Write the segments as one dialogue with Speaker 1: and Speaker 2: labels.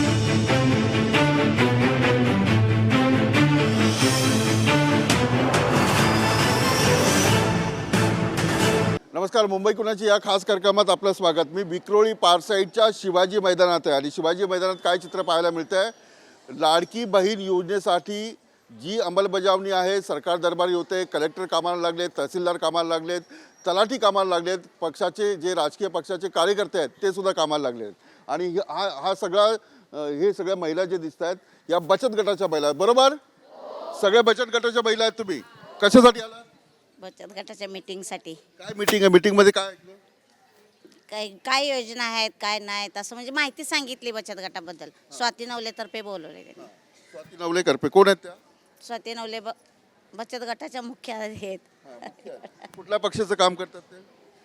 Speaker 1: नमस्कार, मुंबई कुणाची या खास कार्यक्रमात आपलं स्वागत. मी विक्रोळी पारसाईडच्या शिवाजी मैदानात आहे आणि शिवाजी मैदानात काय चित्र पाहायला मिळतं आहे, लाडकी बहीण योजनेसाठी जी अंमलबजावणी आहे, सरकार दरबारी होते, कलेक्टर कामाला लागलेत, तहसीलदार कामाला लागलेत, तलाठी कामाला लागलेत, पक्षाचे जे राजकीय पक्षाचे कार्यकर्ते आहेत ते सुद्धा कामाला लागलेत. आणि हा सगळा हे सगळ्या महिला जे दिसत आहेत या बचत गटाच्या महिला, बरोबर? सगळ्या बचत गटाच्या महिला आहेत. तुम्ही कशासाठी आला?
Speaker 2: बचत गटाच्या मीटिंगसाठी.
Speaker 1: काय मीटिंग आहे? मीटिंगमध्ये काय ऐकलं?
Speaker 2: काय काय योजना आहेत काय नाहीत असं म्हणजे माहिती सांगितली बचत गटाबद्दल. स्वाती नवलेतर्फे बोलवले त्यांनी.
Speaker 1: स्वाती नवले करपे कोण आहेत त्या?
Speaker 2: स्वाती नवले बचत गटाच्या मुख्य आहेत.
Speaker 1: कुठल्या पक्षाचं काम करतात ते?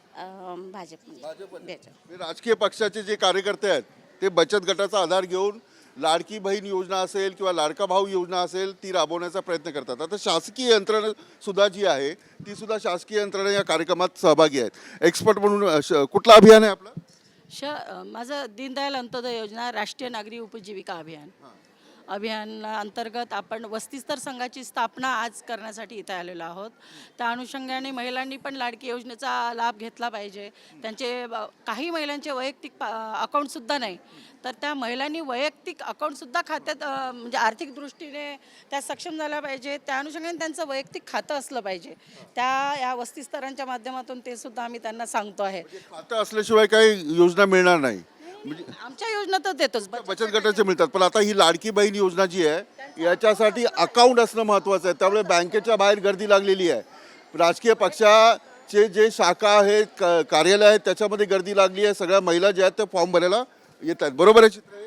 Speaker 2: भाजप.
Speaker 1: हे राजकीय पक्षाचे जे कार्यकर्ते आहेत ते बचत गटाचा आधार घेऊन लाडकी बहीण योजना असेल किंवा लाडका भाऊ योजना असेल ती राबवण्याचा प्रयत्न करतात. आता शासकीय यंत्रणा सुद्धा जी आहे ती सुद्धा शासकीय यंत्रणा या कार्यक्रमात सहभागी आहेत. एक्सपर्ट म्हणून कुठलं अभियान आहे आपलं?
Speaker 3: माझं दीनदयाल अंत्योदय योजना राष्ट्रीय नागरी उपजीविका अभियान अंतर्गत आपण वस्तीस्तर संघाची स्थापना आज करण्यासाठी इथे आलेलो आहोत. त्या अनुषंगाने महिलांनी पण लाडकी योजनेचा लाभ घेतला पाहिजे. त्यांचे काही महिलांचे वैयक्तिक अकाउंटसुद्धा नाही, तर त्या महिलांनी वैयक्तिक अकाउंटसुद्धा खात्यात म्हणजे आर्थिक दृष्टीने त्या सक्षम झाल्या पाहिजे. त्या अनुषंगाने त्यांचं वैयक्तिक खातं असलं पाहिजे. या वस्तीस्तरांच्या माध्यमातून ते सुद्धा आम्ही त्यांना सांगतो आहे.
Speaker 1: खातं असल्याशिवाय काही योजना मिळणार नाही. म्हणजे
Speaker 3: आमच्या योजना तर देतोच,
Speaker 1: बचत गटाचे मिळतात, पण आता ही लाडकी बहीण योजना जी आहे याच्यासाठी अकाउंट असणं महत्त्वाचं आहे. त्यामुळे बँकेच्या बाहेर गर्दी लागलेली आहे. राजकीय पक्षाचे जे शाखा आहेत, कार्यालय आहेत, त्याच्यामध्ये गर्दी लागली आहे. सगळ्या महिला ज्या आहेत त्या फॉर्म भरायला येत आहेत. बरोबर आहे चित्र?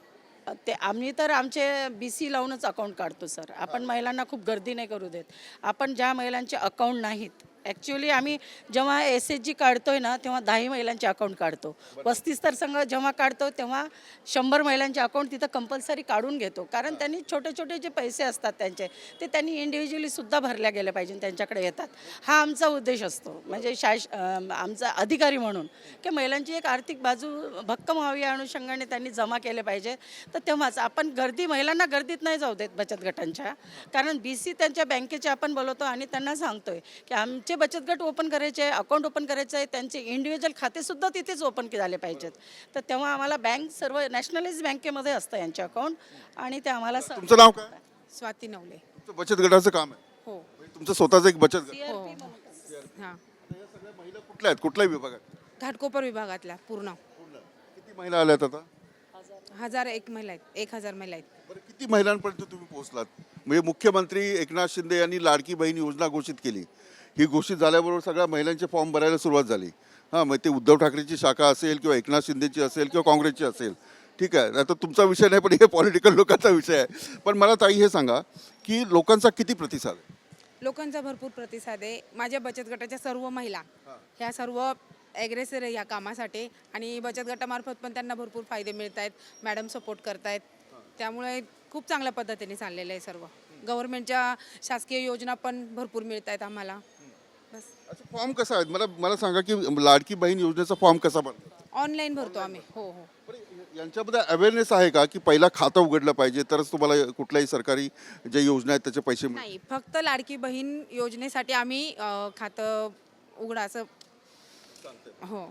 Speaker 3: ते आम्ही तर आमचे BC लावूनच अकाउंट काढतो सर. आपण महिलांना खूप गर्दी नाही करू देत. आपण ज्या महिलांचे अकाउंट नाहीत, ॲक्च्युली आम्ही जेव्हा SHG काढतोय ना तेव्हा 10 महिलांचे अकाउंट काढतो. वस्तीस्तर संघ जेव्हा काढतो तेव्हा 100 महिलांचे अकाउंट तिथं कंपल्सरी काढून घेतो. कारण त्यांनी छोटे छोटे जे पैसे असतात त्यांचे ते त्यांनी इंडिव्हिज्युअली सुद्धा भरल्या गेले पाहिजे, त्यांच्याकडे येतात. हा आमचा उद्देश असतो. म्हणजे आमचा अधिकारी म्हणून की महिलांची एक आर्थिक बाजू भक्कम व्हावी या अनुषंगाने त्यांनी जमा केले पाहिजे. तर तेव्हाच आपण महिलांना गर्दीत नाही जाऊ देत बचत गटांच्या. कारण BC त्यांच्या बँकेचे आपण बोलवतो आणि त्यांना सांगतोय की आमचे बचत गट ओपन करायचे, अकाउंट ओपन करायचं आहे, त्यांचे इंडिव्हिज्युअल खातेसुद्धा तिथेच ओपन झाले पाहिजेत. तर तेव्हा आम्हाला बँक सर्व नॅशनलाइज बँकेमध्ये असतं यांचे अकाउंट. आणि ते आम्हाला
Speaker 1: तुमचं नाव काय?
Speaker 4: स्वाती नवले.
Speaker 1: तुमचं बचत गटाचं काम आहे?
Speaker 4: हो.
Speaker 1: तुमचं स्वतःचं एक बचत गट?
Speaker 4: हो. हां.
Speaker 1: या सगळ्या महिला कुठल्या आहेत? कुठल्याही विभागात?
Speaker 4: घाटकोपर विभागातल्या पूर्ण
Speaker 1: किती महिला आल्यात आता?
Speaker 4: 1001 महिला आहेत. 1000 महिला आहेत.
Speaker 1: बरं, किती महिलांपर्यंत तुम्ही पोहोचलात? म्हणजे मुख्यमंत्री एकनाथ शिंदे यांनी लाडकी बहीण योजना घोषित केली. ही घोषित झाल्याबरोबर सगळ्या महिलांचे फॉर्म भरायला सुरुवात झाली. हां, मग ते उद्धव ठाकरेची शाखा असेल किंवा एकनाथ शिंदेची असेल किंवा काँग्रेसची असेल, ठीक आहे, आता तुमचा विषय नाही, पण हे पॉलिटिकल लोकांचा विषय आहे. पण मला ताई हे सांगा की लोकांचा किती प्रतिसाद आहे?
Speaker 4: लोकांचा भरपूर प्रतिसाद आहे. माझ्या बचत गटाच्या सर्व महिला ह्या सर्व ॲग्रेसर आहे ह्या कामासाठी आणि बचत गटामार्फत पण त्यांना भरपूर फायदे मिळत आहेत. मॅडम सपोर्ट करतायत. त्यामुळे खूप चांगल्या पद्धतीने चाललेलं आहे सर्व. गव्हर्नमेंटच्या शासकीय योजना पण भरपूर मिळत आहेत आम्हाला. बस.
Speaker 1: अच्छा, फॉर्म कसा आहे? मला सांगा की लाडकी बहीण योजनेचा फॉर्म कसा बनतो?
Speaker 4: ऑनलाईन भरतो आम्ही. हो हो.
Speaker 1: बरं, यांच्यामध्ये अवेअरनेस आहे का की पहिला खातं उघडलं पाहिजे तरच तुम्हाला कुठल्याही सरकारी ज्या योजना आहेत त्याचे पैसे मिळतील?
Speaker 4: नाही, फक्त लाडकी बहीण योजनेसाठी आम्ही खातं उघडा असं. हो.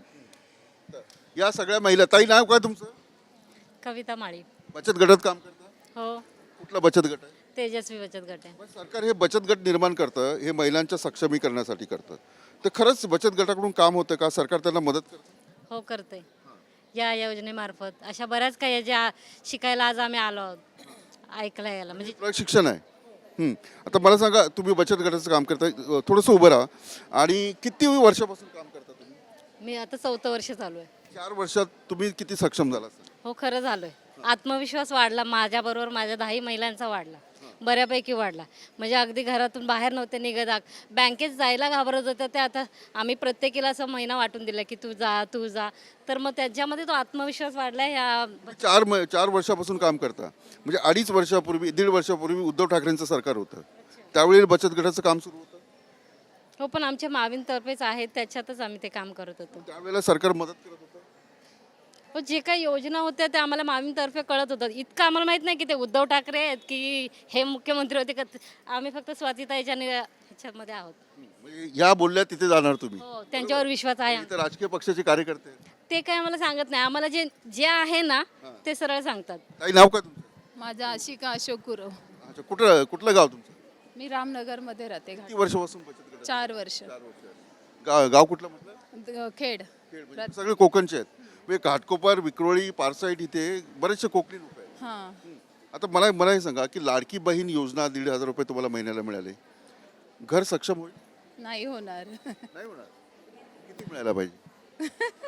Speaker 1: या सगळ्या महिला, ताई नाव काय तुमचं?
Speaker 5: कविता माळी.
Speaker 1: बचत गटात काम करता?
Speaker 5: हो,
Speaker 1: कुठला बचत गट आहे?
Speaker 5: तेजस्वी बचत गट आहे.
Speaker 1: पण सरकार हे बचत गट निर्माण करतं, हे महिलांच्या सक्षमीकरणासाठी करतं. तर खरंच बचत गटाकडून काम होतं का? सरकार त्यांना मदत करतं?
Speaker 5: हो, करते. या योजनेमार्फत अशा बऱ्याच काही ज्या शिकायला आज आम्ही आलो आहोत, ऐकला याला म्हणजे
Speaker 1: प्रशिक्षण आहे. आता मला सांगा, तुम्ही बचत गटाचं काम करताय, थोडंसं उभं राहा. आणि किती वर्षापासून काम करता तुम्ही?
Speaker 5: मी आता 4थं वर्ष चालू आहे.
Speaker 1: 4 वर्षात तुम्ही किती सक्षम झाला असेल?
Speaker 5: हो, खरं झालोय. आत्मविश्वास वाढला माझ्याबरोबर, माझ्या 10 महिलांचा वाढला, बऱ्यापैकी वाढला. म्हणजे अगदी घरातून बाहेर नव्हते निघत, बँकेत जायला घाबरत होत्या. ते आता आम्ही प्रत्येकीला असं महिना वाटून दिला की तू जा. तर मग त्याच्यामध्ये तो आत्मविश्वास वाढला. ह्या
Speaker 1: 4 वर्षापासून काम करता, म्हणजे 2.5 वर्षापूर्वी, 1.5 वर्षापूर्वी उद्धव ठाकरेंचं सरकार होतं, त्यावेळी बचत गटाचं काम सुरू होतं.
Speaker 5: हो, पण आमच्या मावींतर्फेच आहेत, त्याच्यातच आम्ही ते काम करत होतो.
Speaker 1: त्यावेळेला सरकार मदत करत होतं?
Speaker 5: पण जे काही योजना होत्या त्या आम्हाला मामीतर्फे कळत होतं. इतकं आम्हाला माहीत नाही की ते उद्धव ठाकरे आहेत की हे मुख्यमंत्री होते का. आम्ही फक्त स्वातीताईच्या ह्याच्यामध्ये आहोत.
Speaker 1: म्हणजे या बोलल्या तिथे जाणार तुम्ही?
Speaker 5: हो, त्यांच्यावर विश्वास आहे.
Speaker 1: इथे राजकीय पक्षाचे कार्यकर्ते आहेत.
Speaker 5: ते काय आम्हाला सांगत नाही. आम्हाला जे जे आहे ना ते सरळ सांगतात.
Speaker 1: ताई नाव काय तुमचं?
Speaker 6: माझं आशिका अशोक गुरव.
Speaker 1: अच्छा, कुठलं गाव तुमचं?
Speaker 6: मी रामनगरमध्ये राहते.
Speaker 1: किती वर्षापासून बचत गटात?
Speaker 6: 4 वर्ष.
Speaker 1: 4 वर्ष. गाव कुठलं म्हटलं?
Speaker 6: खेड.
Speaker 1: खेड म्हणजे सगळे कोकणचे आहेत. म्हणजे घाटकोपर, विक्रोळी, पारसाईट इथे बरेचसे कोकणी लोक आहेत.
Speaker 6: हां.
Speaker 1: आता मला हे सांगा की लाडकी बहीण योजना 1,500 रुपये तुम्हाला महिन्याला मिळाले, घर सक्षम होईल?
Speaker 6: नाही होणार.
Speaker 1: नाही होणार. किती मिळायला पाहिजे?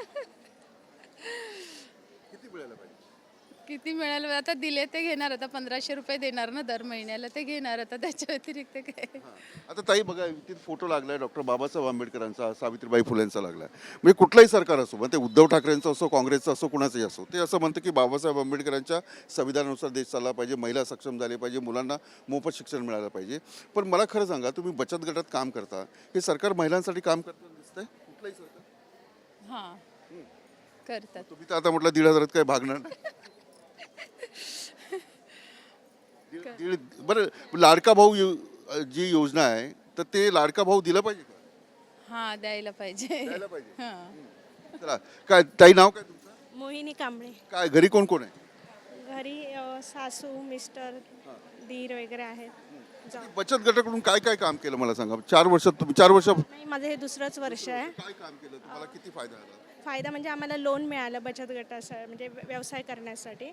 Speaker 1: किती मिळायला पाहिजे?
Speaker 6: किती मिळालं आता दिले ते घेणार. आता 1500 रुपये देणार ना दर महिन्याला, ते घेणार. आता त्याच्या व्यतिरिक्त काय.
Speaker 1: आता ताई बघा, इथे फोटो लागलाय डॉक्टर बाबासाहेब आंबेडकरांचा, सावित्रीबाई फुलेंचा लागलाय. म्हणजे कुठलंही सरकार असो, मग ते उद्धव ठाकरेंचं असो, काँग्रेसचं असो, कुणाचंही असो, ते असं म्हणतं की बाबासाहेब आंबेडकरांच्या संविधानानुसार देश चालला पाहिजे, महिला सक्षम झाले पाहिजे, मुलांना मोफत शिक्षण मिळालं पाहिजे. पण मला खरं सांगा, तुम्ही बचत गटात काम करता, हे सरकार महिलांसाठी काम करताना दिसतंय? कुठलंही सरकार?
Speaker 6: हां, करतात.
Speaker 1: तुम्ही तर आता म्हटलं 1,500 काय भागणार नाही. बरं, लाडका भाऊ जी योजना आहे, तर ते लाडका भाऊ दिलं पाहिजे का?
Speaker 6: हां, द्यायला पाहिजे.
Speaker 1: द्यायला पाहिजे.
Speaker 6: हां.
Speaker 1: चला, काय ताई नाव काय तुमचं?
Speaker 7: मोहिनी कांबळे.
Speaker 1: काय घरी कोण कोण आहे?
Speaker 7: घरी सासू मिस्टर दीर वगैरे आहेत.
Speaker 1: बचत गटाकडून काय काय काम केलं मला सांगा. 4 वर्षात तुम्ही 4 वर्ष
Speaker 7: नाही, माझं हे दुसरंच वर्ष आहे.
Speaker 1: काय काम केलं, तुम्हाला किती फायदा झाला?
Speaker 7: फायदा म्हणजे आम्हाला लोन मिळालं बचत गटासाठी, म्हणजे व्यवसाय करण्यासाठी.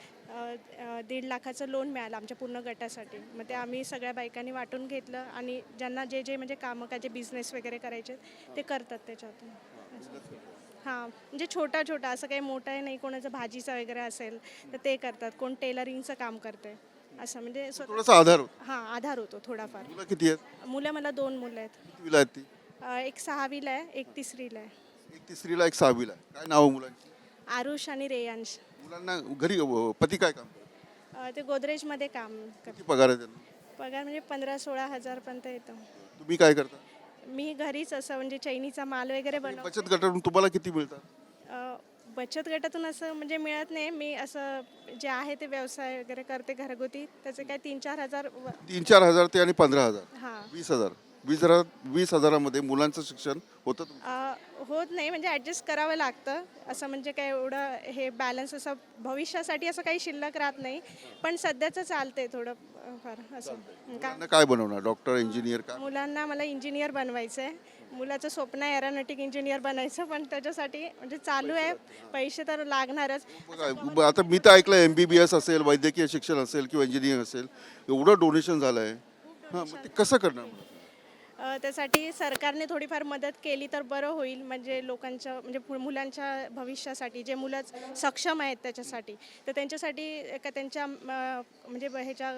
Speaker 7: 1.5 लाखाचं लोन मिळालं आमच्या पूर्ण गटासाठी. मग ते आम्ही सगळ्या बायकांनी वाटून घेतलं आणि ज्यांना जे जे म्हणजे कामं काय जे बिझनेस वगैरे करायचे ते करतात त्याच्यातून. हां, म्हणजे छोटा छोटा, असं काही मोठं आहे नाही. कोणाचं भाजीचं वगैरे असेल तर ते करतात, कोण टेलरिंगचं काम करते, असं म्हणजे
Speaker 1: थोडासा आधार होतो.
Speaker 7: हां, आधार होतो थोडाफार.
Speaker 1: मुलं किती आहेत?
Speaker 7: मुलं मला 2 मुलं आहेत.
Speaker 1: कितवीला आहेत ती?
Speaker 7: एक 6वीला आहे, एक 3रीला आहे.
Speaker 1: एक 3रीला, एक 6वीला. काय नाव आहे मुलांची?
Speaker 7: आरुष आणि रेयांश.
Speaker 1: मुलांना घरी पती काय काम करतात?
Speaker 7: ते गोदरेजमध्ये काम करतात.
Speaker 1: किती पगार आहे त्यांना?
Speaker 7: पगार म्हणजे 15-16 हजारपर्यंत येतो.
Speaker 1: तुम्ही काय करता?
Speaker 7: मी घरीच असं म्हणजे चैनीचा माल वगैरे बनव.
Speaker 1: बचत गटाकडून तुम्हाला किती मिळतात?
Speaker 7: बचत गटातून असं म्हणजे मिळत नाही. मी असं जे आहे ते व्यवसाय वगैरे करते घरगुती, त्याचे काय 3-4 हजार
Speaker 1: 3-4 हजार ते आणि 15,000,
Speaker 7: हां
Speaker 1: 20,000. 20,000मध्ये मुलांचं शिक्षण होतं तुमचं?
Speaker 7: होत नाही, म्हणजे ॲडजस्ट करावं लागतं. असं म्हणजे काय एवढं हे बॅलन्स असं भविष्यासाठी असं काही शिल्लक राहत नाही. पण सध्याचं चालतंय थोडं फार असं. का
Speaker 1: मुलांना काय बनवणार? Doctor, engineer? काय?
Speaker 7: मुलांना मला इंजिनियर बनवायचं आहे. मुलाचं स्वप्न आहे एरोनॉटिक इंजिनियर बनायचं, पण त्याच्यासाठी म्हणजे चालू आहे. पैसे तर लागणारच.
Speaker 1: बघा, आता मी तर ऐकलं MBBS असेल, वैद्यकीय शिक्षण असेल किंवा इंजिनिअरिंग असेल, एवढं डोनेशन झालं आहे. हां, मग ते कसं करणार?
Speaker 7: त्यासाठी सरकारने थोडीफार मदत केली तर बरं होईल. म्हणजे लोकांच्या म्हणजे मुलांच्या भविष्यासाठी, जे मुलं सक्षम आहेत त्याच्यासाठी, तर त्यांच्यासाठी का त्यांच्या म्हणजे ह्याच्या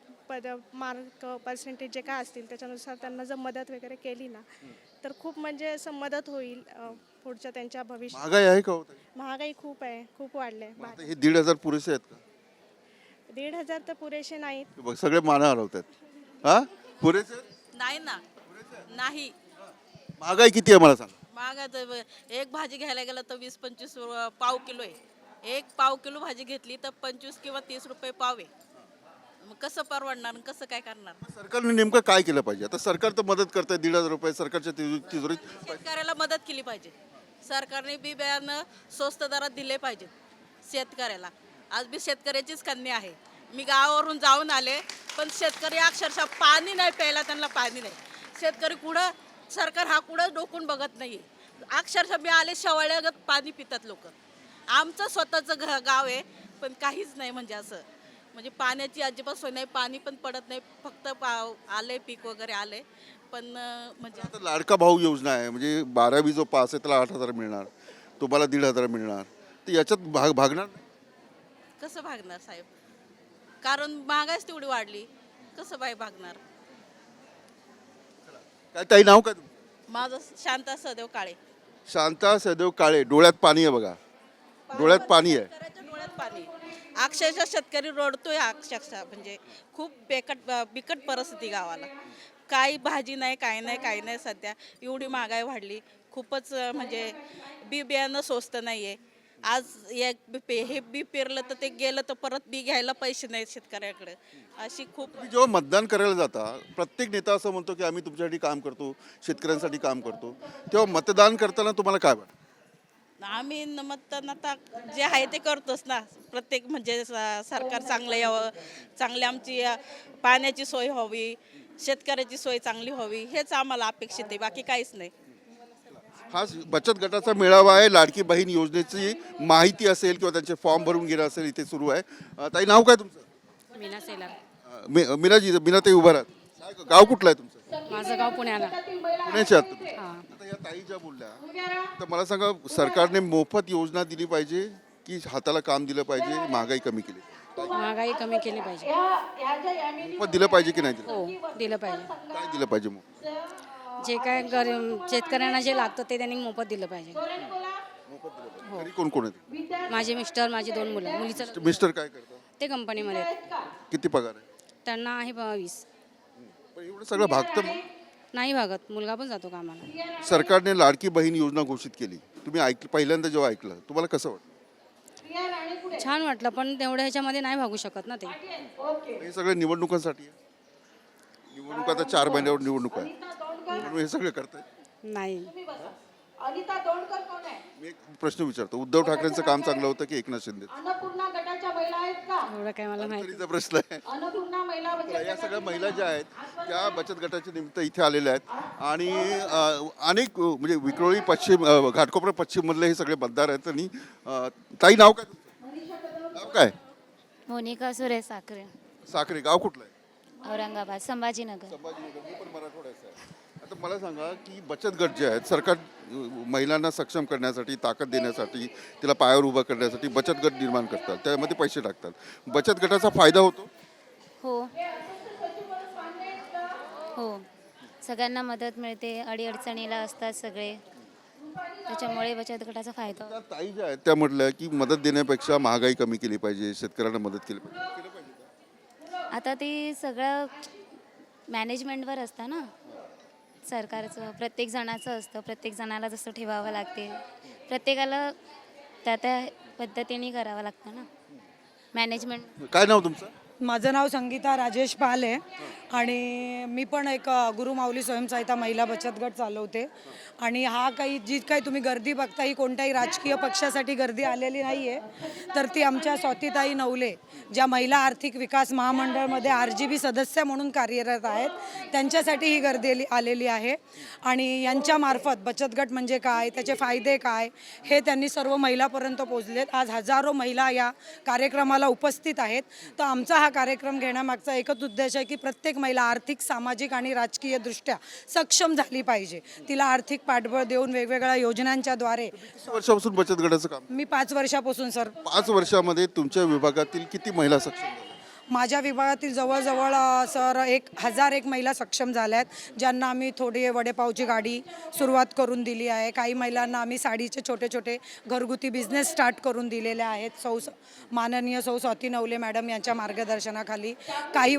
Speaker 7: मार्क पर्सेंटेज जे काय असतील त्याच्यानुसार त्यांना जर मदत वगैरे केली ना, तर खूप म्हणजे असं मदत होईल पुढच्या त्यांच्या भविष्यात.
Speaker 1: महागाई आहे का हो ताई?
Speaker 7: महागाई खूप आहे, खूप वाढले.
Speaker 1: आता हे 1,500 पुरेसे आहेत का?
Speaker 7: 1,500 तर पुरेसे नाहीत.
Speaker 1: हे बघ, सगळे माना हरवतात. हा, पुरेसे आहेत?
Speaker 8: नाही ना, नाही.
Speaker 1: महागाई किती आहे मला सांग?
Speaker 8: महाग आहे. एक भाजी घ्यायला गेलं तर 20-25 पाव किलो आहे. एक पाव किलो भाजी घेतली तर 25 किंवा 30 रुपये पाव आहे. मग कसं परवडणार आणि कसं काय करणार?
Speaker 1: सरकारने नेमकं काय केलं पाहिजे? आता सरकार तर मदत करतंय 1,500 रुपये सरकारच्या तिजोरीत.
Speaker 8: शेतकऱ्याला मदत केली पाहिजे. सरकारने बी बियाणं स्वस्त दरात दिले पाहिजे शेतकऱ्याला. आज बी शेतकऱ्याचीच कन्या आहे. मी गावावरून जाऊन आले, पण शेतकरी अक्षरशः पाणी नाही प्यायला, त्यांना पाणी नाही. शेतकरी कुठं, सरकार हा कुठं डोकून बघत नाही. अक्षरशः मी आले शेवाळ्यागत पाणी पितात लोक. आमचं स्वतःचं गाव आहे, पण काहीच नाही. म्हणजे असं म्हणजे पाण्याची अजिबात सोय नाही. पाणी पण पडत नाही. फक्त आले पीक वगैरे आले, पण म्हणजे
Speaker 1: आता लाडका भाऊ योजना आहे, म्हणजे 12वी जो पास आहे त्याला 8,000 मिळणार, तुम्हाला 1,500 मिळणार. तर याच्यात भागणार नाही?
Speaker 8: कसं भागणार साहेब? कारण महागाईच तेवढी वाढली, कसं बाई भागणार?
Speaker 1: काय ताई नाव काय तुमचं?
Speaker 8: माझं शांता सदैव काळे.
Speaker 1: शांता सदैव काळे. डोळ्यात पाणी आहे बघा, डोळ्यात पाणी आहे.
Speaker 8: शेतकऱ्याच्या डोळ्यात पाणी. अक्षरशः शेतकरी रडतोय. अक्षरशः म्हणजे खूप बिकट परिस्थिती गावाला. काही भाजी नाही, काही नाही, काही नाही. सध्या एवढी महागाई वाढली. खूपच म्हणजे बी बियाणं स्वस्त नाही आहे. आज हे बी पेरलं तर ते गेलं तर परत बी घ्यायला पैसे नाहीत शेतकऱ्याकडे. अशी खूप
Speaker 1: तुम्ही जेव्हा मतदान करायला जाता, प्रत्येक नेता असं म्हणतो की आम्ही तुमच्यासाठी काम करतो, शेतकऱ्यांसाठी काम करतो, तेव्हा मतदान करताना तुम्हाला काय वाटतं?
Speaker 8: आम्ही मतदान आता जे आहे ते करतोच ना. प्रत्येक म्हणजे सरकार चांगलं यावं, चांगली आमची पाण्याची सोय व्हावी, शेतकऱ्याची सोय चांगली व्हावी, हेच आम्हाला अपेक्षित आहे, बाकी काहीच नाही.
Speaker 1: हा बचत गटाचा मेळावा आहे. लाडकी बहीण योजनेची माहिती असेल किंवा त्यांचे फॉर्म भरून घेणं असेल इथे सुरू आहे. ताई, नाव काय तुमचं?
Speaker 3: मीना सेलार.
Speaker 1: मीनाताई उभा राहत. काय गाव कुठलं आहे तुमचं?
Speaker 3: माझं गाव पुण्याला.
Speaker 1: पुण्याचे आहात तुम्ही? आता या ताई ज्या बोलल्या, तर मला सांगा, सरकारने मोफत योजना दिली पाहिजे की हाताला काम दिलं पाहिजे, महागाई कमी केली?
Speaker 3: महागाई कमी केली पाहिजे.
Speaker 1: मोफत दिलं पाहिजे की नाही दिलं?
Speaker 3: हो, दिलं पाहिजे.
Speaker 1: काय दिलं पाहिजे मग?
Speaker 3: जे काय शेतकऱ्यांना जे लागतं ते त्यांनी मोफत दिलं पाहिजे.
Speaker 1: घरी कोण कोण आहेत?
Speaker 3: माझे मिस्टर, माझी 2 मुलं. मुलीचं
Speaker 1: मिस्टर काय करतात?
Speaker 3: ते कंपनीमध्ये आहेत.
Speaker 1: किती पगार आहे?
Speaker 3: त्यांना आहे 20.
Speaker 1: पण एवढं सगळं भागतं मग?
Speaker 3: नाही भागत, मुलगा पण जातो कामाला.
Speaker 1: सरकारने लाडकी बहीण योजना घोषित केली, तुम्ही पहिल्यांदा जेव्हा ऐकलं, तुम्हाला कसं वाटतं?
Speaker 3: छान वाटलं, पण तेवढ्या ह्याच्यामध्ये नाही भागू शकत ना ते.
Speaker 1: हे सगळं निवडणुकांसाठी आहे. निवडणूक आता 4 महिन्यावर निवडणूक आहे, म्हणून हे सगळं करताय.
Speaker 3: नाही.
Speaker 1: मी एक प्रश्न विचारतो, उद्धव ठाकरेंचं काम चांगलं होतं की एकनाथ शिंदे?
Speaker 3: एवढं काय मला माहिती.
Speaker 1: तरीचा प्रश्न आहे. तर या सगळ्या महिला ज्या आहेत त्या बचत गटाच्या निमित्त इथे आलेल्या आहेत आणि अनेक म्हणजे विक्रोळी पश्चिम, घाटकोपर पश्चिम मधले हे सगळे मतदार आहेत. आणि ताई, नाव काय तुमचं? नाव काय?
Speaker 9: मोनिका सुरेश साखरे,
Speaker 1: साखरे. गाव कुठलं आहे?
Speaker 9: औरंगाबाद, संभाजीनगर.
Speaker 1: संभाजीनगर. मी पण मराठवाड्याचा आहे. आता मला सांगा की बचत गट जे आहेत, सरकार महिलांना सक्षम करण्यासाठी, ताकद देण्यासाठी, तिला पायावर उभं करण्यासाठी बचत गट निर्माण करतात, त्यामध्ये पैसे टाकतात. बचत गटाचा फायदा होतो?
Speaker 9: हो हो, सगळ्यांना मदत मिळते, अडीअडचणीला असतात सगळे, त्याच्यामुळे बचत गटाचा फायदा होतो.
Speaker 1: त्या ताई ज्या आहेत त्या म्हटल्या की मदत देण्यापेक्षा महागाई कमी केली पाहिजे, शेतकऱ्यांना मदत केली पाहिजे. केलं पाहिजे का?
Speaker 9: आता ते सगळं मॅनेजमेंटवर असतं ना, सरकारचं प्रत्येक जणाचं असतं, प्रत्येक जणाला जसं ठेवावं लागते, प्रत्येकाला त्या त्या पद्धतीने करावं लागतं ना मॅनेजमेंट.
Speaker 1: काय नाव तुमचं?
Speaker 10: माझं नाव संगीता राजेश पाल आहे आणि मी पण एक गुरुमाऊली स्वयंसहायता महिला बचत गट चालवते. आणि हा काही जी काही तुम्ही गर्दी बघता, ही कोणत्याही राजकीय पक्षासाठी गर्दी आलेली नाही आहे, तर ती आमच्या स्वातीताई नवले, ज्या महिला आर्थिक विकास महामंडळमध्ये RGB सदस्य म्हणून कार्यरत आहेत, त्यांच्यासाठी ही गर्दी आलेली आहे. आणि यांच्यामार्फत बचत गट म्हणजे काय, त्याचे फायदे काय, हे त्यांनी सर्व महिलापर्यंत पोहोचलेत. आज हजारो महिला या कार्यक्रमाला उपस्थित आहेत. तर आमचा हा कार्यक्रम घेण्यामागचा एकच उद्देश आहे की प्रत्येक महिला आर्थिक, सामाजिक आणि राजकीय दृष्ट्या सक्षम झाली पाहिजे. तिला आर्थिक पाठबळ देऊन वेगवेगळ्या योजनांच्या द्वारे.
Speaker 1: किती वर्षापासून बचत गटाचं काम?
Speaker 10: मी 5 वर्षापासून सर.
Speaker 1: 5 वर्षामध्ये तुमच्या विभागातील किती महिला सक्षम झाल्या?
Speaker 10: माझ्या विभागातील जवळजवळ सर 1001 महिला सक्षम झाल्या आहेत, ज्यांना आम्ही थोडी वडेपावची गाडी सुरुवात करून दिली आहे. काही महिलांना आम्ही साडीचे छोटे छोटे घरगुती बिझनेस स्टार्ट करून दिलेले आहेत, माननीय सौ स्वाती नवले मॅडम यांच्या मार्गदर्शनाखाली. काही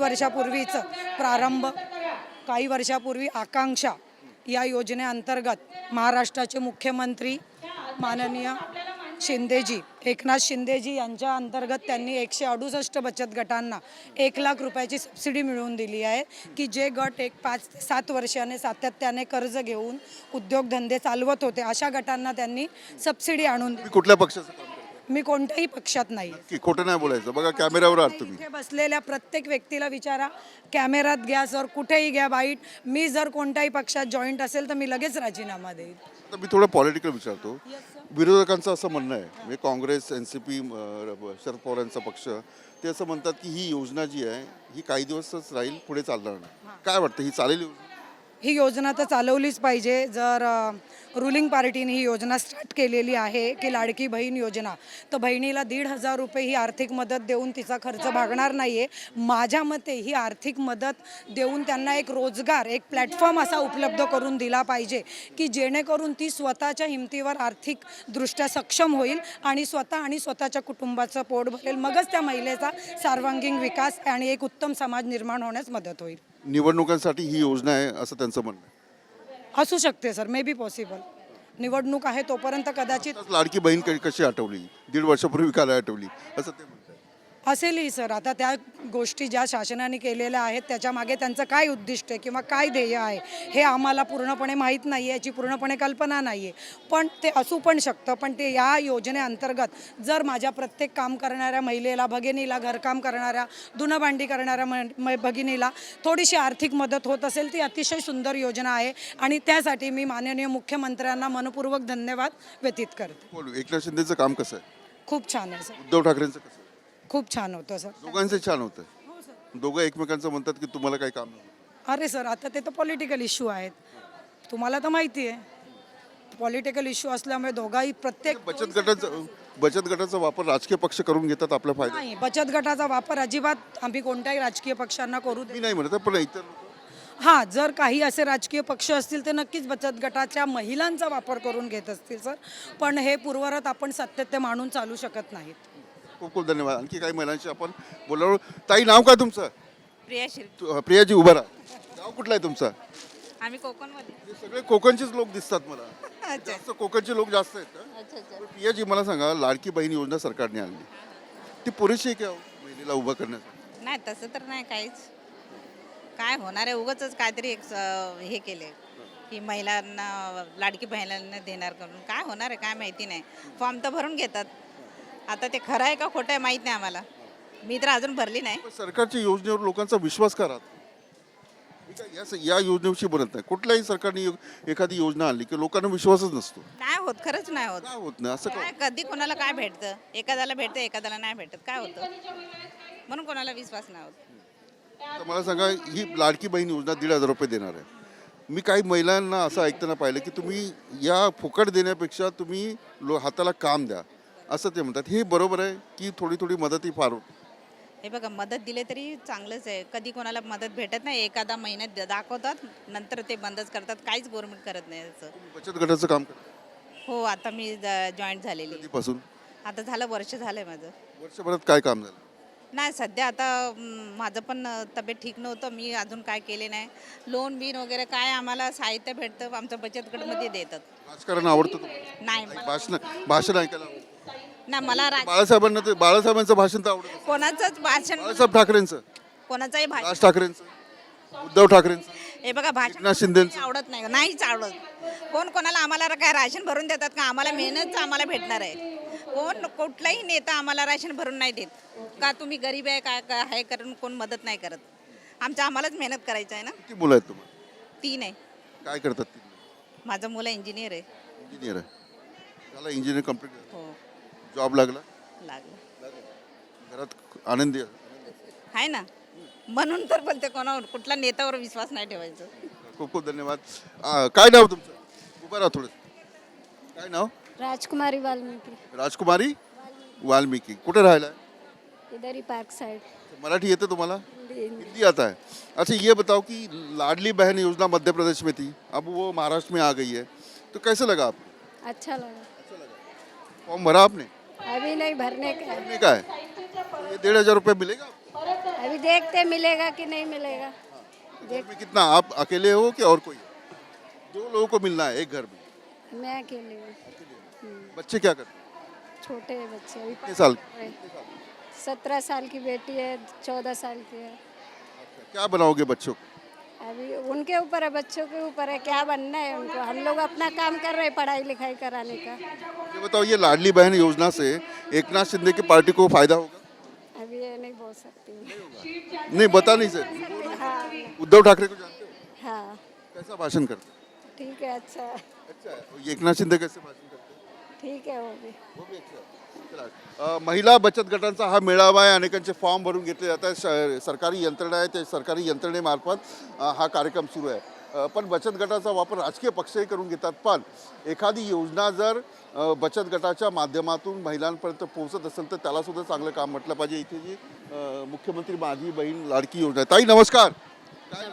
Speaker 10: वर्षापूर्वी आकांक्षा या योजनेअंतर्गत महाराष्ट्राचे मुख्यमंत्री माननीय शिंदेजी, एकनाथ शिंदेजी यांच्या अंतर्गत त्यांनी 168 बचत गटांना 1 लाख रुपयाची सबसिडी मिळवून दिली आहे की जे गट 5 ते 7 वर्षाने सातत्याने कर्ज घेऊन उद्योगधंदे चालवत होते, अशा गटांना त्यांनी सबसिडी आणून दिली.
Speaker 1: कुठल्या पक्षाचं काम करता?
Speaker 10: मी कोणत्याही पक्षात नाही.
Speaker 1: की खोटं नाही बोलायचं, बघा कॅमेऱ्यावर आहात तुम्ही.
Speaker 10: इथे बसलेल्या प्रत्येक व्यक्तीला विचारा, कॅमेऱ्यात घ्या सर, कुठेही घ्या बाईट. मी जर कोणत्याही पक्षात जॉईंट असेल तर मी लगेच राजीनामा देईन.
Speaker 1: आता मी थोडं पॉलिटिकल विचारतो. विरोधकांचं असं म्हणणं आहे, म्हणजे काँग्रेस, NCP, शरद पवारांचा पक्ष, ते असं म्हणतात की ही योजना जी आहे ही काही दिवसच राहील, पुढे चालणार नाही. काय वाटतं, ही चालेल योजना?
Speaker 10: ही योजना तर चालवलीच पाहिजे. जर रुलिंग पार्टीने ही योजना स्टार्ट केलेली आहे की लाडकी बहीण योजना, तर बहिणीला 1,500 रुपये ही आर्थिक मदत देऊन तिचा खर्च भागणार नाही आहे. माझ्या मते ही आर्थिक मदत देऊन त्यांना एक रोजगार, एक प्लॅटफॉर्म असा उपलब्ध करून दिला पाहिजे की जेणेकरून ती स्वतःच्या हिमतीवर आर्थिकदृष्ट्या सक्षम होईल आणि स्वतःच्या कुटुंबाचं पोट भरेल. मगच त्या महिलेचा सर्वांगीण विकास आणि एक उत्तम समाज निर्माण होण्यास मदत होईल.
Speaker 1: निवडणुकांसाठी ही योजना आहे असं त्यांचं म्हणणं आहे.
Speaker 10: असू शकते सर, मे बी पॉसिबल. निवडणूक आहे तोपर्यंत कदाचित
Speaker 1: आताच लाडकी बहीण कशी आठवली, 1.5 वर्षापूर्वी काय आठवली असं ते म्हणतात.
Speaker 10: असेलही सर. आता त्या गोष्टी ज्या शासनाने केलेल्या आहेत त्याच्यामागे त्यांचं काय उद्दिष्ट आहे किंवा काय ध्येय आहे हे आम्हाला पूर्णपणे माहीत नाही आहे, याची पूर्णपणे कल्पना नाही आहे. पण ते असू पण शकतं. पण ते या योजनेअंतर्गत जर माझ्या प्रत्येक काम करणाऱ्या महिलेला, भगिनीला, घरकाम करणाऱ्या, धुणंभांडी करणाऱ्या भगिनीला थोडीशी आर्थिक मदत होत असेल ती अतिशय सुंदर योजना आहे आणि त्यासाठी मी माननीय मुख्यमंत्र्यांना मनपूर्वक धन्यवाद व्यतीत करते.
Speaker 1: बोलू, एकनाथ शिंदेचं काम कसं आहे,
Speaker 10: खूप छान आहे सर.
Speaker 1: उद्धव ठाकरेंचं कसं आहे?
Speaker 10: खूप छान होतं सर.
Speaker 1: दोघांचं छान होतं. दोघं एकमेकांचं म्हणतात की तुम्हाला काही काम नाही.
Speaker 10: अरे सर, आता ते तर पॉलिटिकल इश्यू आहेत, तुम्हाला तर माहिती आहे. पॉलिटिकल इश्यू असल्यामुळे दोघाही प्रत्येक
Speaker 1: बचत गटाचा वापर राजकीय पक्ष करून घेतात आपल्या फायदा.
Speaker 10: नाही, बचत गटाचा वापर अजिबात आम्ही कोणत्याही राजकीय पक्षांना करू
Speaker 1: मी
Speaker 10: दे.
Speaker 1: नाही म्हणत पण इतर लोकं
Speaker 10: हां, जर काही असे राजकीय पक्ष असतील ते नक्कीच बचत गटाच्या महिलांचा वापर करून घेत असतील सर. पण हे पूर्वरत आपण सत्तेत ते मांडून चालू शकत नाहीत.
Speaker 1: खूप खूप धन्यवाद. आणखी काही महिलांशी आपण बोललो. ताई, नाव काय तुमचं?
Speaker 8: प्रियाशील.
Speaker 1: प्रियाजी उभा राहा. नाव कुठलं आहे तुमचं?
Speaker 8: आम्ही कोकणमध्ये.
Speaker 1: हे सगळे कोकणचेच लोक दिसतात मला. जास्त कोकणचे लोक जास्त आहेत का? पण प्रियाजी, मला सांगा, लाडकी बहीण योजना सरकारने आणली, ती पुरेशी आहे का हो महिलेला उभं करण्यासाठी?
Speaker 2: नाही तसं तर नाही काहीच. काय होणार आहे, उगाच काहीतरी एक हे केले की महिलांना लाडकी बहिणींना देणार करून. काय होणार आहे काय माहिती नाही. फॉर्म तर भरून घेतात. आता ते खरं आहे का खोटं आहे माहीत नाही आम्हाला. मी तर अजून भरली नाही.
Speaker 1: पण सरकारच्या योजनेवर लोकांचा विश्वास करा. मी काय या योजनेविषयी बोलत नाही. कुठल्याही सरकारने एखादी योजना आणली की लोकांना विश्वासच नसतो.
Speaker 2: नाही होत, खरंच नाही होत.
Speaker 1: काय होत नाही असं
Speaker 2: काय कधी कोणाला काय भेटतं, एखाद्याला भेटतं एखाद्याला नाही भेटत. काय होतं म्हणून कोणाला विश्वास नाही होत.
Speaker 1: तर मला सांगा, ही लाडकी बहीण योजना 1,500 रुपये देणार आहे. मी काही महिलांना असं ऐकताना पाहिलं की तुम्ही या फुकट देण्यापेक्षा तुम्ही हाताला काम द्या असं ते म्हणतात. हे बरोबर आहे की थोडी थोडी मदत ही फार होते?
Speaker 2: हे बघा, मदत दिले तरी चांगलंच आहे. कधी कोणाला मदत भेटत नाही. एखादा महिन्यात दाखवतात, नंतर ते बंदच करतात. काहीच गव्हर्नमेंट करत नाही याचं.
Speaker 1: बचत गटाचं काम करा.
Speaker 2: हो, आता मी जॉईन झालेली.
Speaker 1: कधीपासून?
Speaker 2: आता झालं वर्ष झालंय माझं.
Speaker 1: वर्षभरात काय काम झालं?
Speaker 2: नाही, सध्या आता माझं पण तब्येत ठीक नव्हतं. मी अजून काय केले नाही. लोन बिन वगैरे काय आम्हाला साहित्य भेटतं आमच्या बचत गटमध्ये देतात.
Speaker 1: राजकारण आवडतं तुम्हाला?
Speaker 2: नाही
Speaker 1: भाषण ऐकायला आवडतं?
Speaker 2: ना मला
Speaker 1: बाळासाहेबांचं भाषण तर आवडतं.
Speaker 2: कोणाचंच भाषण,
Speaker 1: बाळासाहेब ठाकरेंचं,
Speaker 2: कोणाचंही भाषण,
Speaker 1: राज ठाकरेंचं, उद्धव ठाकरेंचं,
Speaker 2: हे बघा भाषण
Speaker 1: एकनाथ शिंदेंचं.
Speaker 2: आवडत नाही, नाहीच आवडत. कोण कोणाला आम्हाला काय राशन भरून देतात का? आम्हाला मेहनत आम्हाला भेटणार आहे. कोण कुठलाही नेता आम्हाला राशन भरून नाही देत का. तुम्ही गरीब आहे काय काय आहे करून कोण मदत नाही करत. आम्हालाच मेहनत करायचं आहे ना.
Speaker 1: किती मुलं आहेत तुम्हाला?
Speaker 2: 3 आहे.
Speaker 1: काय करतात ती?
Speaker 2: माझं मुलं इंजिनियर आहे.
Speaker 1: इंजिनियर आहे. त्याला इंजिनियर कम्प्लीट
Speaker 2: हो,
Speaker 1: जॉब लागला?
Speaker 2: लागलं
Speaker 1: घरात आनंदी आहे?
Speaker 2: आहे ना. म्हणून तर बोलते कोणावर कुठला नेत्यावर विश्वास नाही ठेवायचं.
Speaker 1: खूप खूप धन्यवाद. काय नाव तुमचं? उभं राहा थोडं. काय नाव?
Speaker 9: राजकुमारी वाल्मीकि,
Speaker 1: राजकुमारी वाल्मीकि. कुठे राहिला?
Speaker 9: इधर ही पार्क साइड.
Speaker 1: मराठी येते तुम्हाला? हिंदी आता है. अच्छा, ये बताओ कि लाडली बहन योजना मध्य प्रदेश में थी, अब वो महाराष्ट्र में आ गई है, तो कैसे लगा आपको?
Speaker 9: अच्छा लगा.
Speaker 1: फॉर्म भरा आपने?
Speaker 9: अभी नहीं भरने का है.
Speaker 1: भरने का है. तो ये 1,500 रुपये मिलेगा आपको?
Speaker 9: अभी देखते मिलेगा कि नहीं मिलेगा.
Speaker 1: घर में कितना, आप अकेले हो कि और कोई? 2 लोगों को मिलना है एक घर में.
Speaker 9: मैं अकेले हूँ.
Speaker 1: बच्चे क्या करते हैं?
Speaker 9: छोटे हैं बच्चे अभी.
Speaker 1: कितने साल?
Speaker 9: 17 साल की बेटी है, 14 साल की है.
Speaker 1: क्या बनाओगे बच्चों को?
Speaker 9: अभी उनके ऊपर है, बच्चों के ऊपर है क्या बनना है उनको. हम लोग अपना काम कर रहे हैं पढ़ाई लिखाई कराने का.
Speaker 1: ये बताओ, ये लाडली बहन योजना से एकनाथ शिंदे की पार्टी को फायदा होगा?
Speaker 9: अभी ये नहीं बोल सकती हूँ.
Speaker 1: नहीं, बता नहीं सकते.
Speaker 9: हाँ
Speaker 1: उद्धव ठाकरे को जानते हो?
Speaker 9: हाँ
Speaker 1: कैसा भाषण करते हैं?
Speaker 9: ठीक है. अच्छा है.
Speaker 1: अच्छा है. और ये एकनाथ शिंदे कैसे भाषण करते हैं?
Speaker 9: ठीक है वो भी.
Speaker 1: वो भी अच्छा है. चला. महिला बचत गटांचा हा मेळावा आहे. अनेकांचे फॉर्म भरून घेतले जात आहेत. सरकारी यंत्रणा आहे, ते सरकारी यंत्रणेमार्फत हा कार्यक्रम सुरू आहे. पण बचत गटाचा वापर राजकीय पक्षही करून घेतात. पण एखादी योजना जर बचत गटाच्या माध्यमातून महिलांपर्यंत पोहोचत असेल तर त्याला सुद्धा चांगलं काम म्हटलं पाहिजे. इथे जी मुख्यमंत्री माझी बहीण लाडकी योजना आहे. ताई नमस्कार. काय?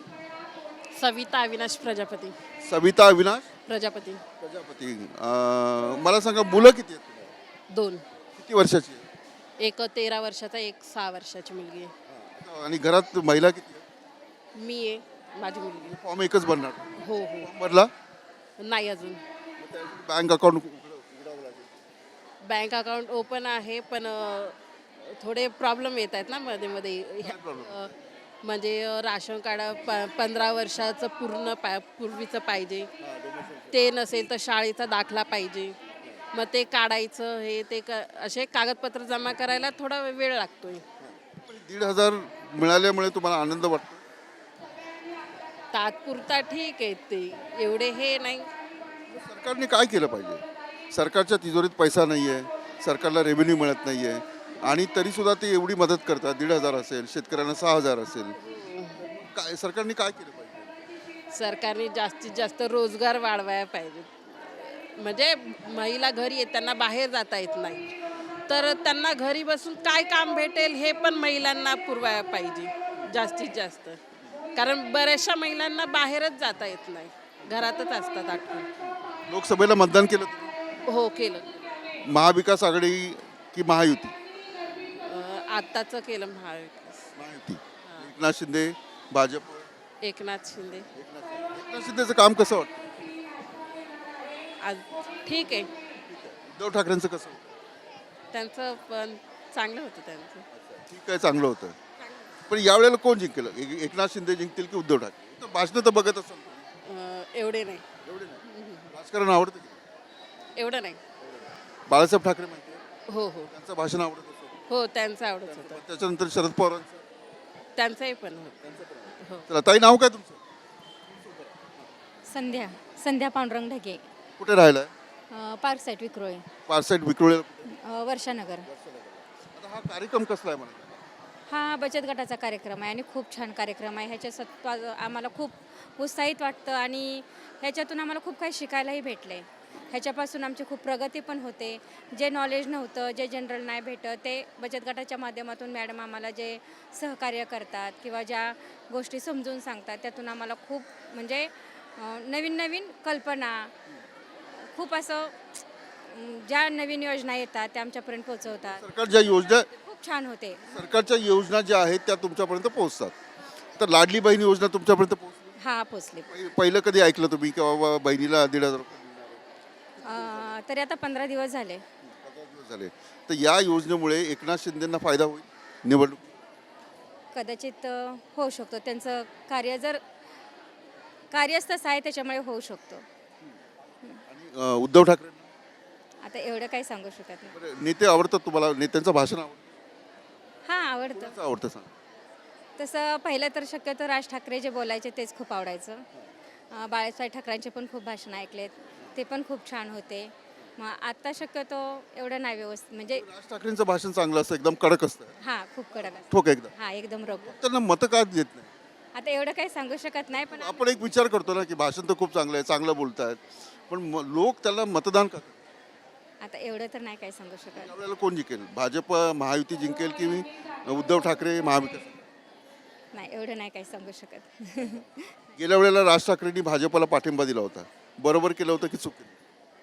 Speaker 3: सविता अविनाश प्रजापती.
Speaker 1: सविता अविनाश
Speaker 3: प्रजापती.
Speaker 1: प्रजापती. मला सांगा, मुलं किती आहेत तुम्हाला?
Speaker 3: 2.
Speaker 1: किती वर्षाची आहे?
Speaker 3: एक 13 वर्षाचा, एक 6 वर्षाची मुलगी आहे.
Speaker 1: आणि घरात महिला किती आहेत?
Speaker 3: मी आहे, माझी मुलगी.
Speaker 1: फॉर्म एकच भरणार?
Speaker 3: हो.
Speaker 1: फॉर्म भरला?
Speaker 3: नाही अजून.
Speaker 1: बँक अकाउंट उघडावं लागेल.
Speaker 8: बँक अकाउंट ओपन आहे पण थोडे प्रॉब्लेम येत आहेत ना मध्ये मध्ये म्हणजे राशन कार्ड 15 वर्षाचं पूर्वीचं पाहिजे, ते नसेल तर शाळेचा दाखला पाहिजे, मग ते काढायचं हे ते असे कागदपत्र जमा करायला थोडा वेळ लागतोय.
Speaker 1: 1,500 मिळाल्यामुळे तुम्हाला आनंद वाटतो?
Speaker 8: तात्पुरता ठीक आहे, ते एवढे हे नाही.
Speaker 1: सरकारने काय केलं पाहिजे? सरकारच्या तिजोरीत पैसा नाही आहे, सरकारला रेव्हेन्यू मिळत नाही आहे, आणि तरीसुद्धा ते एवढी मदत करतात. 1,500 असेल, शेतकऱ्यांना 6,000 असेल. काय सरकारने काय केलं पाहिजे?
Speaker 8: सरकारने जास्तीत जास्त रोजगार वाढवायला पाहिजे. म्हणजे महिला घरी येत त्यांना बाहेर जाता येत नाही, तर त्यांना घरी बसून काय काम भेटेल हे पण महिलांना पुरवायला पाहिजे जास्तीत जास्त. कारण बऱ्याचशा महिलांना बाहेरच जाता येत नाही, घरातच असतात अटकून.
Speaker 1: लोकसभेला मतदान केलं तुम्ही?
Speaker 8: हो केलं.
Speaker 1: महाविकास आघाडी की महायुती?
Speaker 8: आत्ताचं केलं महाविकास.
Speaker 1: महायुती. एकनाथ शिंदे, भाजप.
Speaker 8: एकनाथ शिंदे
Speaker 1: एकनाथ शिंदेचं काम कसं वाटतं?
Speaker 8: आज ठीक आहे,
Speaker 1: उद्धव ठाकरेंचं कसं होतं?
Speaker 8: त्यांचं पण चांगलं होतं त्यांचं.
Speaker 1: ठीक आहे, चांगलं होतं. पण यावेळेला कोण जिंकेल? एकनाथ शिंदे जिंकतील की उद्धव ठाकरे? भाषणं तर बघत असाल तुम्ही.
Speaker 8: एवढे नाही.
Speaker 1: एवढे नाही. राजकारण आवडतं की?
Speaker 8: एवढं नाही.
Speaker 1: बाळासाहेब ठाकरे माहिती आहे?
Speaker 8: हो हो
Speaker 1: त्यांचं भाषण आवडत असेल.
Speaker 8: हो त्यांचं आवडत होतं.
Speaker 1: त्याच्यानंतर शरद पवारांचं.
Speaker 8: त्यांचंही पण होतं. हो.
Speaker 1: चला ताई, नाव काय तुमचं?
Speaker 5: संध्या पांडुरंग ढगे,
Speaker 1: कुठे राहिलाय?
Speaker 5: Park site Vikhroli,
Speaker 1: park site Vikhroli.
Speaker 5: Varshanagar.
Speaker 1: आता हा कार्यक्रम कसला आहे म्हणा?
Speaker 5: हा बचत गटाचा कार्यक्रम आहे आणि खूप छान कार्यक्रम आहे. ह्याच्यात आम्हाला खूप उत्साहित वाटतं आणि ह्याच्यातून आम्हाला खूप काही शिकायलाही भेटले. ह्याच्यापासून आमची खूप प्रगती पण होते. जे नॉलेज नव्हतं, जे जनरल नाही भेटत, ते बचत गटाच्या माध्यमातून मॅडम आम्हाला जे सहकार्य करतात किंवा ज्या गोष्टी समजून सांगतात, त्यातून आम्हाला खूप म्हणजे नवीन नवीन कल्पना, खूप असं ज्या नवीन योजना येतात त्या आमच्यापर्यंत पोहोचवतात.
Speaker 1: सरकारच्या योजना,
Speaker 5: खूप छान होते.
Speaker 1: सरकारच्या योजना ज्या आहेत त्या तुमच्यापर्यंत पोहोचतात. तर लाडली बहीण योजना तुमच्यापर्यंत पोहोचली?
Speaker 5: हा पोचले.
Speaker 1: पहिलं कधी ऐकलं तुम्ही की बाबा बहिणीला 1,500 रुपये
Speaker 5: तरी आता 15 दिवस झाले.
Speaker 1: झाले? तर या योजनेमुळे एकनाथ शिंदेंना फायदा होईल निवडणूक?
Speaker 5: कदाचित होऊ शकतो. त्यांचं कार्य जर कार्यच तसं आहे त्याच्यामुळे होऊ शकतो.
Speaker 1: आणि उद्धव ठाकरे
Speaker 5: आता एवढं काही सांगू शकत नाही.
Speaker 1: नेते आवडतात तुम्हाला? नेत्यांचं भाषण आवडतं?
Speaker 5: हां आवडतं.
Speaker 1: कोणाचं आवडतं सांग?
Speaker 5: तसं पहिलं तर शक्यतो राज ठाकरे जे बोलायचे तेच खूप आवडायचं. बाळासाहेब ठाकरेंचे पण खूप भाषण ऐकलेत, ते पण खूप छान होते. मग आत्ता शक्यतो एवढं नाही व्यवस्थित म्हणजे
Speaker 1: राज ठाकरेंचं भाषण चांगलं असतं, एकदम कडक असतं,
Speaker 5: हां खूप कडक असतं.
Speaker 1: ठोक एकदम.
Speaker 5: हां एकदम रोख.
Speaker 1: त्यांना मतं का देत नाही?
Speaker 5: आता एवढं काही सांगू शकत नाही, पण
Speaker 1: आपण एक विचार करतो ना की भाषण तर खूप चांगलं आहे, चांगलं बोलतायत, पण लोक त्याला मतदान का करतात?
Speaker 5: आता एवढं तर नाही काही सांगू शकत.
Speaker 1: यावेळेला कोण जिंकेल? भाजप महायुती जिंकेल की उद्धव ठाकरे महाविकास?
Speaker 5: नाही एवढं नाही काही सांगू शकत.
Speaker 1: गेल्या वेळेला राज ठाकरेंनी भाजपला पाठिंबा दिला होता, बरोबर केलं होतं की चूक केली?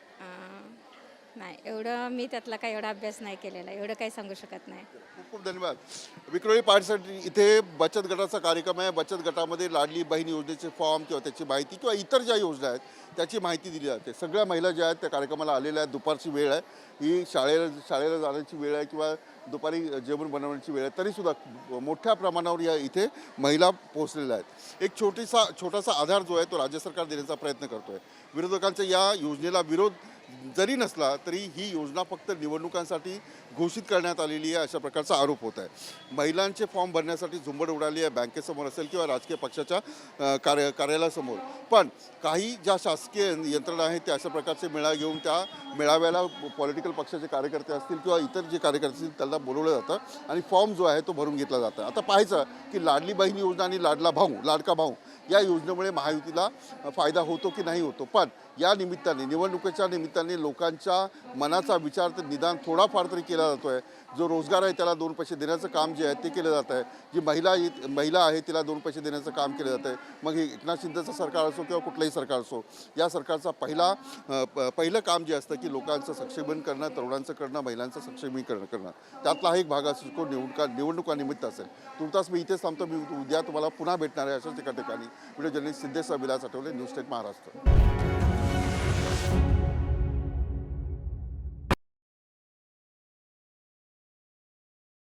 Speaker 5: नाही एवढं मी त्यातला काही एवढा अभ्यास नाही केलेला, एवढं काही सांगू शकत नाही.
Speaker 1: खूप खूप धन्यवाद. विक्रोळी पार्टीसाठी इथे बचत गटाचा कार्यक्रम आहे. बचत गटामध्ये लाडली बहीण योजनेचे फॉर्म किंवा त्याची माहिती किंवा इतर ज्या योजना आहेत त्याची माहिती दिली जाते. सगळ्या महिला ज्या आहेत त्या कार्यक्रमाला आलेल्या आहेत. दुपारची वेळ आहे, ही शाळेला जाण्याची वेळ आहे किंवा दुपारी जेवण बनवण्याची वेळ आहे, तरीसुद्धा मोठ्या प्रमाणावर या इथे महिला पोहोचलेल्या आहेत. एक छोटासा आधार जो आहे तो राज्य सरकार देण्याचा प्रयत्न करतो आहे. विरोधकांच्या या योजनेला विरोध जरी नसला तरी ही योजना फक्त निवडणुकांसाठी घोषित करण्यात आलेली आहे अशा प्रकारचा आरोप होत आहे. महिलांचे फॉर्म भरण्यासाठी झुंबड उडाली आहे, बँकेसमोर असेल किंवा राजकीय पक्षाच्या कार्यालयासमोर. पण काही ज्या शासकीय यंत्रणा आहेत त्या अशा प्रकारचे मेळावे घेऊन त्या मेळाव्याला पॉलिटिकल पक्षाचे कार्यकर्ते असतील किंवा इतर जे कार्यकर्ते असतील त्यांना बोलवलं जातं आणि फॉर्म जो आहे तो भरून घेतला जातं. आता पाहायचं की लाडली बहीण योजना आणि लाडका भाऊ या योजनेमुळे महायुतीला फायदा होतो की नाही होतो. पण या निमित्ताने निवडणुकीच्या निमित्ताने लोकांच्या मनाचा विचार तर निदान थोडाफार तरी केला जातो आहे. जो रोजगार आहे त्याला 2 पैसे देण्याचं काम जे आहे ते केलं जात आहे. जी महिला आहे तिला 2 पैसे देण्याचं काम केलं जातं आहे. मग हे एकनाथ शिंदेचं सरकार असो किंवा कुठलंही सरकार असो, या सरकारचा पहिलं काम जे असतं की लोकांचं सक्षमीकरण करणं, तरुणांचं करणं, महिलांचं सक्षमीकरण करणं, त्यातला एक भाग असतो निवडणुकानिमित्त असेल. तुर्तास मी इथेच थांबतो. मी उद्या तुम्हाला पुन्हा भेटणार आहे अशाच एका ठिकाणी. Video journalist Siddhesh Vilas Athavale, news state Maharashtra.